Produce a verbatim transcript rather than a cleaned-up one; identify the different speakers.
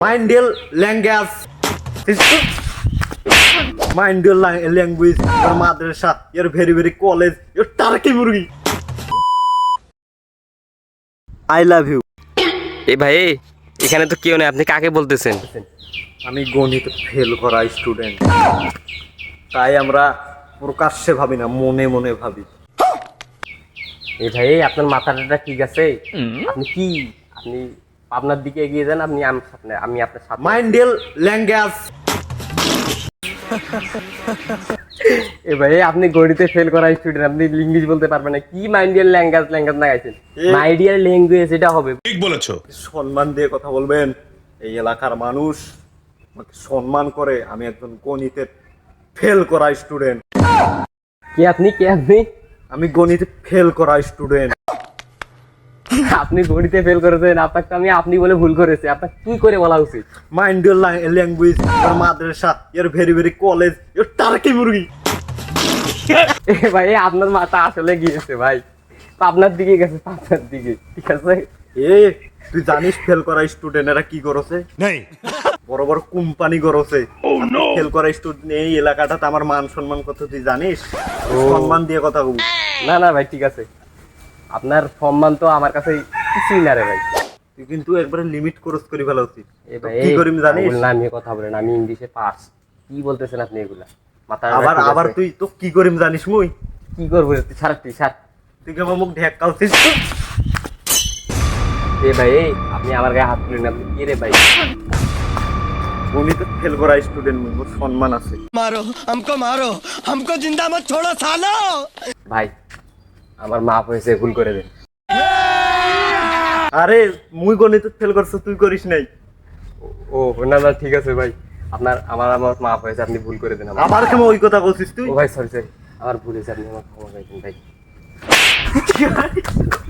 Speaker 1: Mindel language. Mindel language. Your madrasa. Your very very college. Your Turkey murgi. I love you.
Speaker 2: এই ভাই এখানে তো কেউ নেই, আপনি কাকে বলতেছেন?
Speaker 1: আমি গণিত ফেল করা স্টুডেন্ট, তাই আমরা প্রকাশ্যে ভাবি না, মনে মনে ভাবি।
Speaker 2: এই ভাই আপনার মাথাটা ঠিক আছে? আপনি কি আপনি আপনার দিকে এগিয়ে যান, আপনি আমার সামনে, আমি আপনার সাথে।
Speaker 1: মাইন্ডেল ল্যাঙ্গুয়েজ।
Speaker 2: এ ভাই আপনি গণিতে ফেল করা স্টুডেন্ট, আপনি ইংলিশ বলতে পারবেন না, কি মাইন্ডিয়াল ল্যাঙ্গুয়েজ ল্যাঙ্গুয়েজ না গাইছেন? মাইডিয়াল ল্যাঙ্গুয়েজ এটা হবে।
Speaker 3: ঠিক বলেছো।
Speaker 1: সম্মান দিয়ে কথা বলবেন। এই এলাকার মানুষ আমাকে সম্মান করে। আমি একজন গণিতে ফেল করা স্টুডেন্ট।
Speaker 2: কি আপনি কি আপনি
Speaker 1: আমি গণিতে ফেল করা স্টুডেন্ট।
Speaker 2: আপনি গণিতে ফেল করেছেন, আপনাকে তো আমি আপনি বলে ভুল করেছি, আপনাকে কি করে বলা উচিত?
Speaker 1: Mind your language. Your madrasa, your very very college, your turkey murgi.
Speaker 2: এ ভাই আপনার মাথা আসলে গিয়েছে ভাই, আপনার দিকে গেছে, আপনার দিকে, ঠিক আছে?
Speaker 1: এ তুই জানিস ফেল করা স্টুডেন্ট এরা কি করছে?
Speaker 3: নেই
Speaker 1: বড় বড় কোম্পানি করছে। ফেল করা স্টুডেন্ট এই এলাকাটাতে আমার মান সম্মান কত তুই জানিস? সম্মান দিয়ে কথা বল।
Speaker 2: না না ভাই ঠিক আছে, আপনার সম্মান তো আমার কাছে কিছুই না রে ভাই।
Speaker 1: তুই কিন্তু একবারে লিমিট ক্রস করে ফেলা উচিত।
Speaker 2: এ ভাই
Speaker 1: কি করিম জানিস?
Speaker 2: না আমি কথা বলেন, আমি ইংলিশে পাস। কি বলতেছেন আপনি এগুলা? মাথা
Speaker 1: আবার আবার তুই তো কি করিম জানিস? মুই
Speaker 2: কি করবো? তুই ছাড়, তুই ছাড়।
Speaker 1: তুই কেমন মুখ ঢেকাউছিস?
Speaker 2: এ ভাই আপনি আমার গায়ে হাত তুলেন, আপনি কি রে ভাই?
Speaker 1: উনি তো ফেল করা স্টুডেন্ট, মুই মোর সম্মান আছে।
Speaker 3: মারো हमको মারো हमको जिंदा मत छोड़ो सालो।
Speaker 2: ভাই আমার মাফ হয়েছে, ভুল করে দেন।
Speaker 1: আরে মুই গণিত ফেল করছ, তুই করিস নাই।
Speaker 2: ও না না ঠিক আছে ভাই, আপনার আমার আমার মাফ হয়েছে, আপনি ভুল করে দেন। আমার
Speaker 1: আবার কেমন ওই কথা বলছিস তুই?
Speaker 2: ও ভাই সরি সরি, আমার ভুল হয়েছে, আপনি আমার ক্ষমা করে দিন ভাই।